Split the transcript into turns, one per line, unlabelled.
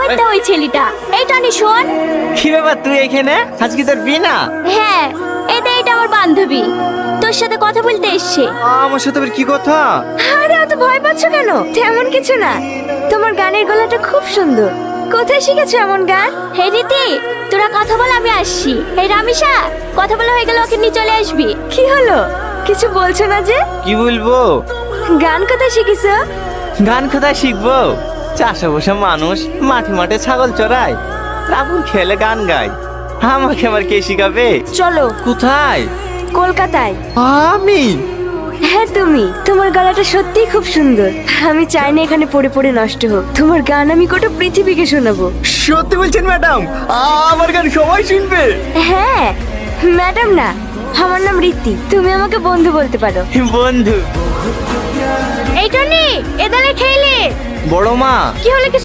কুত্তা ওই ছেলেটা। এই টনি শোন।
কি ব্যাপার তুই এখানে? আজ কি তোর বিয়ে না?
হ্যাঁ, এটা আমার বান্ধবী, তোর সাথে কথা বলতে এসছে।
আমার সাথে আবার কি কথা?
আরে অত ভয় পাচ্ছ কেন? তেমন কিছু না, তোমার গানের গলাটা খুব সুন্দর। কোথায় শিখেছো এমন গান? হে রীতি, তোরা কথা বল, আমি আসছি। এই রামিসা, কথা বলা হয়ে গেল, ওকে নিয়ে চলে আসবি। কি হলো, কিছু বলছো না যে?
কি বলবো?
গান কোথায় শিখেছো?
গান কোথায় শিখবো? চাষে বসে মানুষ মাঠে মাঠে ছাগল চড়ায়, রাবণ খেলে গান গায়। আমাকে আবার কে শিখাবে?
চলো।
কোথায়?
কলকাতায়।
আমি?
হ্যাঁ তুমি, তোমার গলাটা সত্যিই খুব সুন্দর। আমি চাই না এখানে পড়ে পড়ে নষ্ট হোক। তোমার গান আমি গোটা পৃথিবীকে শোনাবো।
সত্যি বলছেন ম্যাডাম? আমার গান সবাই শুনবে?
হ্যাঁ, ম্যাডাম না, আমার নাম রীতি। তুমি আমাকে বন্ধু বলতে পারো।
বন্ধু?
এই টনি, এদালে খেলে।
বড় মা।
কি হলো?